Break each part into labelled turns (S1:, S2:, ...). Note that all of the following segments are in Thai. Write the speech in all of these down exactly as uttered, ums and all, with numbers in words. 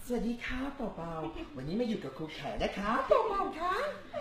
S1: สวัสดีค่ะเป่าๆวันนี้มาอยู่กับครูแขนะคะเป่าๆค่ะ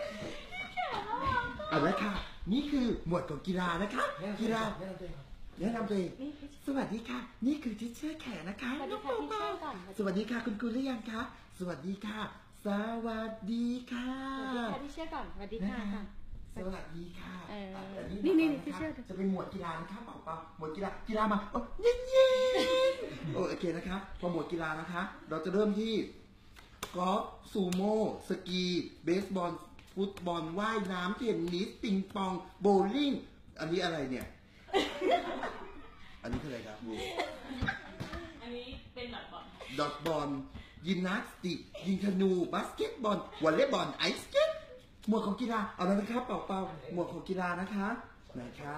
S1: เอาละค่ะนี่คือหมวดของกีฬานะคะกีฬาแนะนำตัวเองสวัสดีค่ะนี่คือทิชเชอร์แขนะคะน้องเป่าๆสวัสดีค่ะคุณครูหรือยังคะสวัสดีค่ะสวัสดีค่ะ
S2: สวัสดีค่ะทิชเชอร์ก่อนสวัสดีค่ะ
S1: สวัสดีค่ะ
S2: นี่นี่ทิชเชอร์
S1: จะเป็นหมวดกีฬานะคะเป่าๆหมวดกีฬากีฬามาโอ้เย็นเย็นโอเคนะคะพอหมวดกีฬานะคะเราจะเริ่มที่กอล์ฟซูโม่สกีเบสบอลฟุตบอลว่ายน้ำเทนนิสปิงปองโบว์ลิ่งอันนี้อะไรเนี่ยอันนี้คืออะไรครับบู
S2: อันนี้เป็นดอทบอล
S1: ดอทบอลยิมนาสติกยิงธนูบาสเกตบอลวอลเลย์บอลไอสเก็ตหมวดของกีฬาเอาแล้วนะครับเป่าเป่าหมวดของกีฬานะคะไหนคะ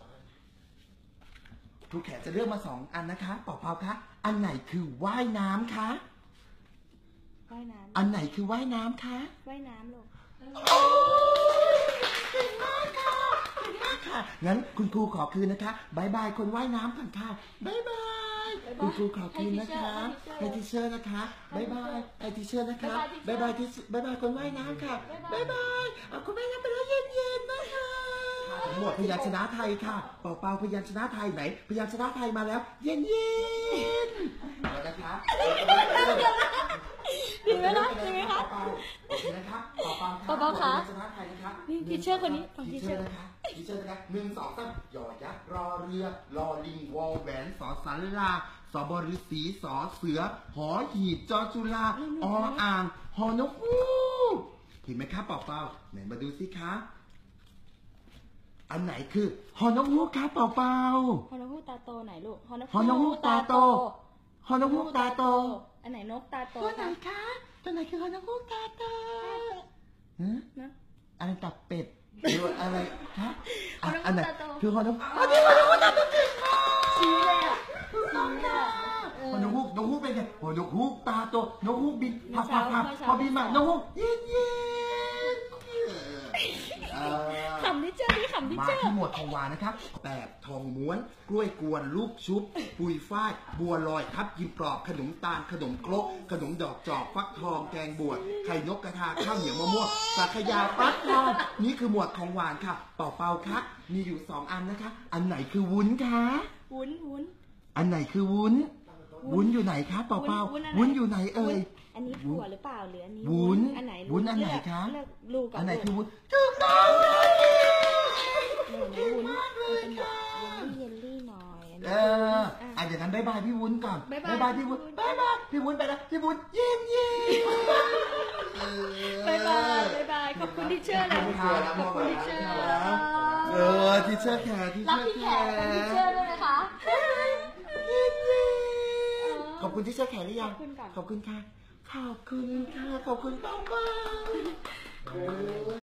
S1: ครูแขกจะเลือกมาสองอันนะคะเป่าเป่าคะอันไหนคือว่ายน้ำคะ
S2: ว่ายน้ำ
S1: อันไหนคือว่ายน้ำคะ
S2: ว่ายน้ำลูก
S1: โอ้เก่งมากค่ะเก่งมากค่ะงั้นคุณครูขอคืนนะคะบายบายคนว่ายน้ำก่อนค่ะบายบายคุณครูขอคืนนะคะให้ทิชเชอร์นะคะบายบายให้ทิชเชอร์นะคะบายบายทิชบายบายคนว่ายน้ำค่ะบายบายเอาคุณแม่ยังไปแล้วเย็นๆนะคะหมวดพยัญชนะไทยค่ะเป่าเป่าพยัญชนะไทยไหนพยัญชนะไทยมาแล้วเย็นๆแล้วนะคะ
S2: ดีไหมคะดีไหมคะ
S1: โอเคนะครับต่อไป
S2: ครับต่อไปคะ
S1: ชนะไทยนะครับ
S2: นี่ทีเชอร์คนนี้
S1: ทีเชอร์นะคะทีเชอร์นะคะหนึ่งสองสามยอยักษ์รอเรือรอลิงวอแหวนสอสันลาสอบฤาษีสอเสือหอหีบจอจุฬาออ่างหอนกฮูกเห็นไหมครับเป่าเป่าไหนมาดูสิคะอันไหนคือหอนกฮูกครับเป่าเป่า
S2: หอนกฮูกตาโตไหนลูก
S1: หอนกฮูกตาโตหอนกฮูกตาโต
S2: อันไหนนกตาโต
S1: ตัวไหนคะตัวไหนคือหอนกฮูกตาโตฮะอะไรตับเป็ดหรืออะไรคะอันไหนคือหอนกอันนี้หอนกฮูกตาโตเก่งมาก
S2: ชี้เลยอ่ะชี้
S1: เลยอ่ะหอนกฮูกนกฮูกเป็นไงหอนกฮูกตาโตนกฮูกบินพับพับพับพอบินมานกฮูกเย็นเย็น
S2: ขำที่เจอที่ขำที่เจอ
S1: มาที่หมวดของหวานนะครับแบบทองม้วนกล้วยกวนลูกชุบปุยฝ้ายบัวลอยทับยิมกรอบขนมตาลขนมครกขนมดอกจอกฟักทองแกงบวชไข่นกกระทาข้าวเหนียวมะม่วงสักยาฟักทองนี่คือหมวดของหวานค่ะเป่าเป่าคะมีอยู่สองอันนะคะอันไหนคือวุ้นคะ
S2: วุ้นวุ้น
S1: อันไหนคือวุ้นวุ้นอยู่ไหนคะเป่าเป่าวุ้นอยู่ไหนเอ่ย
S2: อันนี้ถั่วหรือเปล่าหรืออันนี้
S1: วุ้น
S2: อันไหน
S1: วุ้นอันไหนคะ
S2: อั
S1: นไหนคือวุ้นถูกต้อง
S2: เลยวุ้นเป็นแบบเยลลี่หน่อย
S1: เอออ่ะอย่างนั้นบายบายพี่วุ้นก่อนบายบายพี่วุ้นบายบายพี่วุ้นไปแล้วพี่วุ้นยิ้มยิ้ม
S2: บายบายบายบายขอบคุณที่เชื่อเลยขอบคุณที่เชื่อ
S1: เออที่เชื่อแขกที่เชื่อแขก
S2: ที่เชื่อด้วยนะคะ
S1: ขอบคุณที่เชื่อแขกหรือยังขอบคุณค่ะขอบคุณค่ะขอบคุณมากมาก